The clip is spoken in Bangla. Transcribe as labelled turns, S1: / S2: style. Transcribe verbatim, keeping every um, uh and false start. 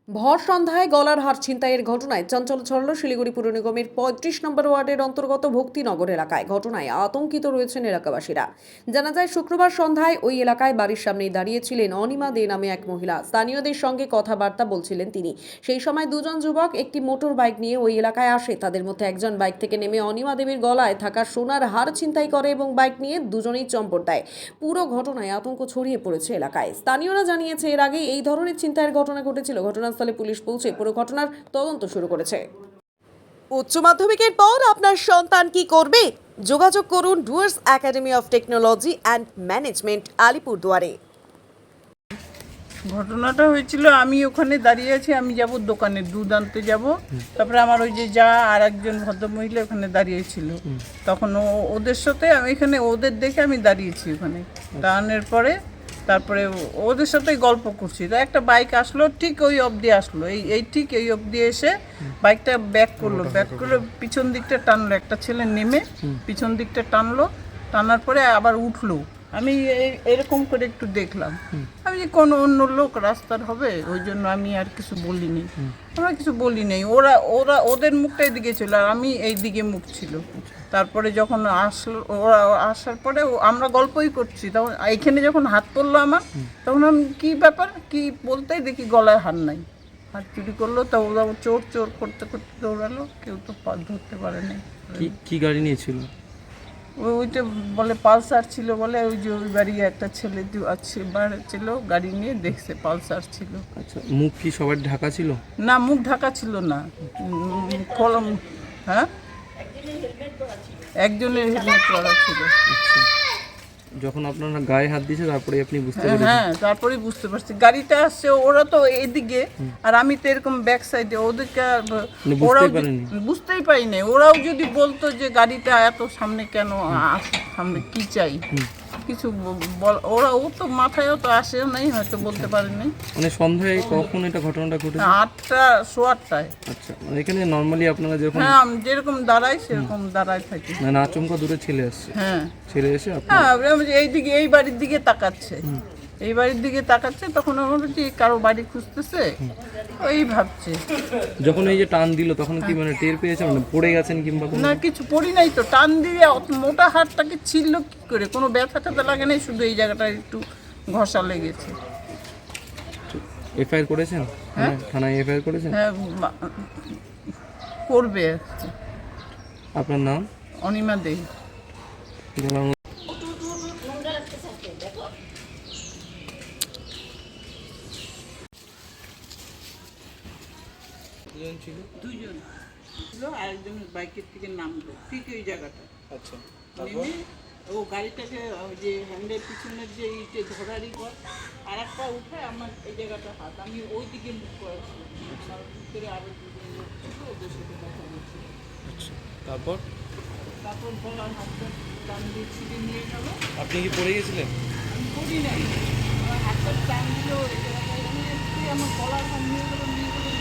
S1: ভর সন্ধ্যায় গলার হার ছিনতাইয়ের ঘটনায় চাঞ্চল্য ছড়াল শিলিগুড়ি পুর নিগমের পঁয়ত্রিশ নম্বর ওয়ার্ডের অন্তর্গত ভক্তিনগর এলাকায়। ঘটনায় আতঙ্কিত রয়েছেন এলাকাবাসীরা। জানা যায়, শুক্রবার সন্ধ্যায় ওই এলাকায় বাড়ির সামনেই দাঁড়িয়েছিলেন অনিমা দে নামে এক মহিলা। স্থানীয়দের সঙ্গে কথাবার্তা বলছিলেন তিনি। সেই সময় দুজন যুবক একটি মোটর বাইক নিয়ে ওই এলাকায় আসে। তাদের মধ্যে একজন বাইক থেকে নেমে অনিমা দেবীর গলায় থাকা সোনার হার ছিনতাই করে এবং বাইক নিয়ে দুজনেই চম্পট দেয়। পুরো ঘটনায় আতঙ্ক ছড়িয়ে পড়েছে এলাকায়। স্থানীয়রা জানিয়েছে, এর আগে এই ধরনের ছিনতাইয়ের ঘটনা ঘটেছিল। ঘটনাস্থলে পুলিশ পৌঁছে পুরো ঘটনার তদন্ত শুরু করেছে। উচ্চ মাধ্যমিকের পর আপনার সন্তান কি করবে? যোগাযোগ করুন Dooars academy of technology and management, আলিপুরদুয়ারে।
S2: ঘটনাটা হয়েছিল, আমি ওখানে দাঁড়িয়ে আছি, আমি যাব দোকানে দুধ আনতে যাব। তারপরে আমার ওই যে যা আর একজন ভদ্রমহিলা ওখানে দাঁড়িয়েছিল, তখন ও ওদের সাথে আমি এখানে ওদের দেখে আমি দাঁড়িয়েছি ওখানে। দাঁড়ানোর পরে তারপরে ওদের সাথে গল্প করছি, তো একটা বাইক আসলো, ঠিক ওই অবধি আসলো, এই এই ঠিক এই অবধি এসে বাইকটা ব্যাক করলো, ব্যাক করে পিছন দিকটা টানলো, একটা ছেলে নেমে পিছন দিকটা টানলো, টানার পরে আবার উঠলো। আমি এই- এরকম করে একটু দেখলাম, আমি যে কোনো অন্য লোক রাস্তার হবে, ওই জন্য আমি আর কিছু বলিনি, আমরা কিছু বলি নাই। ওরা ওরা ওদের মুখটা এদিকে ছিল আর আমি এই দিকে মুখ ছিল। তারপরে যখন আসলো, ওরা আসার পরে ও- আমরা গল্পই করছি, তখন এইখানে যখন হাত পড়লো আমার, তখন আমি কী ব্যাপার কি বলতেই দেখি গলায় হার নাই। হাত চুরি করলো, তা ওরা চোর চোর করতে করতে দৌড়ালো, কেউ তো পা ধরতে পারে নাই।
S3: কি কি গাড়ি নিয়েছিল?
S2: ওই ওইটা বলে পালসার ছিল বলে, ওই যে ওই বাড়ি একটা ছেলে আছে বাড়ি ছিল, গাড়ি নিয়ে দেখছে পালসার ছিল।
S3: আচ্ছা, মুখ কি সবার ঢাকা ছিল?
S2: না, মুখ ঢাকা ছিল না, উম, কলম। হ্যাঁ, একজনের হেলমেট পরা ছিল।
S3: আচ্ছা, যখন আপনারা গায়ে হাত দিয়েছে তারপরে আপনি বুঝতে পেরেছেন?
S2: হ্যাঁ, তারপরেই বুঝতে পারছি গাড়িটা আসছে, ওরা তো এদিকে আর আমি তো এরকম ব্যাক সাইডে, ওদেরকে আর ব-
S3: মানে বুঝতেই
S2: ওরাও যে-
S3: পারেননি?
S2: বুঝতেই পারি না। ওরাও যদি বলতো যে গাড়িটা এত সামনে কেন আসে, সামনে কি চাই, কিছু ব- বল, ওরা ও তো মাথায়ও তো আসেও নাই, হয়তো বলতে পারেনি।
S3: মানে সন্ধ্যায় কখন এটা ঘটনাটা ঘটেছে?
S2: আটটা সোয়া আটটায়।
S3: আচ্ছা, মানে এখানে নর্মালি আপনারা যখন
S2: হ্যাঁ, আমি যেরকম দাঁড়াই সেরকম দাঁড়াই থাকি।
S3: মানে আচমকা দূরে ছেলে আসছে,
S2: হ্যাঁ
S3: ছেলে এসে আপনার
S2: হ্যাঁ, আমি যে এইদিকে এই বাড়ির দিকে তাকাচ্ছে, এই বাড়ির দিকে তাকাচ্ছে, তখন আমার বলছি কারো বাড়ি খুঁজতেছে, ওই ভাবছে।
S3: যখন এই যে টান দিল তখন কি মানে টের পেয়েছে, মানে পড়ে গেছেন কিংবা কোনো?
S2: না, কিছু পড়ি নাই তো, টান দিয়ে অত মোটা হাড়টাকে ছিল কি করে, কোনো ব্যথা ট্যাথা লাগে নাই, শুধু এই জায়গাটা একটু ঘষা লেগেছে।
S3: এফআইআর করেছেন? হ্যাঁ, থানায় এফআইআর করেছেন?
S2: হ্যাঁ, মা- করবে।
S3: আপনার নাম?
S2: অনিমা দে।
S3: গলার মধ্যে- দুজন ছিল?
S2: দুজন ছিল, আরেকজন বাইকের থেকে নামলো ঠিক ওই জায়গাটা।
S3: আচ্ছা,
S2: নেমে ও গাড়িটাকে ওই যে হ্যান্ডের পিছনের যে ইটে ধরারই পর আর একটা উঠে আমার এই জায়গাটা হাত, আমি ওই দিকে মুখ করেছিলাম, আর ভিতরে আরো দুজন লোক ছিল, ওদের সাথে কথা বলছিল।
S3: আচ্ছা, তারপর
S2: তারপর গলার হাতটা টান দিয়ে ছিঁড়ে নিয়ে গেল।
S3: আপনি কি পড়ে গেছিলেন?
S2: আমি করি নাই, আমার হাতটা টান দিল, এই জায়গাটায় আমি একটু আমার গলার হাত নিয়ে গেলো, নিয়ে গেলো